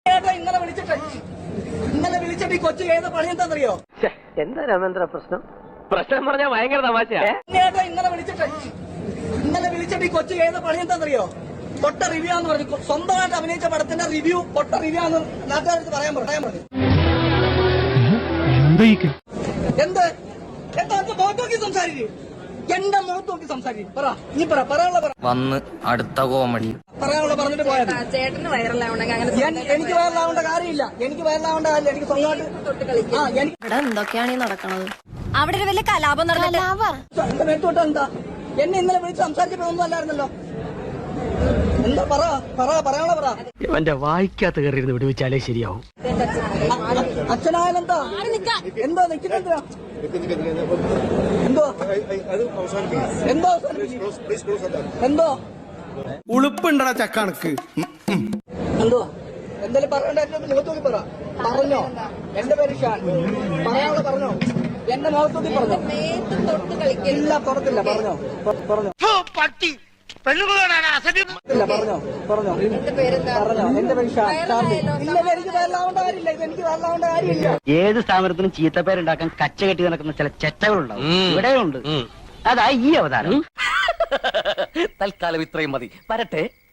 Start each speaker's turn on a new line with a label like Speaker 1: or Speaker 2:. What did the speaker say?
Speaker 1: ഇന്നലെ വിളിച്ചിട്ട് ഈ കൊച്ചു ഏത് പണിയെന്താണെന്നറിയോ?
Speaker 2: എന്താ രാമേന്ദ്ര പ്രശ്നം? പ്രശ്നം പറഞ്ഞാൽ ഭയങ്കര തമാശയാ.
Speaker 1: ഇന്നലെ വിളിച്ചിട്ട് ഈ കൊച്ചു ഏത് പണിയെന്താണെന്നറിയോ? പൊട്ട റിവ്യൂ എന്ന് പറഞ്ഞു. സ്വന്തമായിട്ട് അഭിനയിച്ച പടത്തിന്റെ റിവ്യൂ പൊട്ട റിവ്യൂ ആണെന്ന് നാട്ടുകാർക്ക് പറയാൻ പറഞ്ഞു. എന്ത് എന്താ മുഖത്ത് നോക്കി സംസാരിക്കും? എന്റെ മുഖത്ത് നോക്കി സംസാരിക്കും. പറ നീ പറയാനുള്ള
Speaker 3: വന്ന് അടുത്ത കോമഡി
Speaker 1: പറയാനുള്ള പറഞ്ഞിട്ട് പോയാൽ
Speaker 4: ചേട്ടന് വൈറലാവണ്ടെങ്കിൽ
Speaker 1: എനിക്ക് വൈറലാവേണ്ട കാര്യമില്ല. എനിക്ക് വൈറലാവേണ്ട കാര്യമില്ല. എനിക്ക് സ്വന്തമായിട്ട്
Speaker 4: ഇവിടെ എന്തൊക്കെയാണ് ഈ നടക്കണത്? അവിടെ ഒരു വലിയ കലാപം
Speaker 1: എന്റെ മേത്തോട്ട് എന്താ എന്നെ ഇന്നലെ വിളിച്ച് സംസാരിച്ചിട്ടൊന്നും അല്ലായിരുന്നല്ലോ. എന്താ പറയാനുള്ള പറ.
Speaker 2: എന്റെ വായിക്കാത്ത കയറിയിരുന്ന് വിടുവിച്ചാലേ ശരിയാവും.
Speaker 1: അച്ഛനായാലെന്താ എന്തോ നിൽക്കുന്നെന്താ എന്തോ
Speaker 5: ഉളുപ്പുണ്ടടാ ചക്കണക്ക്
Speaker 1: എന്തോ എന്തായാലും പറയണ്ട. എന്റെ മുഖത്ത് നോക്കി പറ. പറഞ്ഞോ എന്റെ പേര് ഷാൻ. പറയാനുള്ള പറഞ്ഞോ. എന്റെ മുഖത്ത് നോക്കി പറഞ്ഞോ. ഇല്ല തുറത്തില്ല. പറഞ്ഞോ
Speaker 2: പട്ടി
Speaker 1: ഇല്ല പറഞ്ഞോ പറഞ്ഞോ എന്റെ പേര് ഷാൻ. ഇല്ല എനിക്ക് വരലാവേണ്ട കാര്യമില്ല. ഇത് എനിക്ക് വരലാവേണ്ട കാര്യമില്ല.
Speaker 6: ഏത് സ്ഥാപനത്തിനും ചീത്തപ്പേരുണ്ടാക്കാൻ കച്ച കെട്ടി നടക്കുന്ന ചില ചെറ്റകളുണ്ടാവും. ഇവിടെയുണ്ട്. അതാ ഈ അവതാരം.
Speaker 3: തൽക്കാലം ഇത്രയും മതി. വരട്ടെ.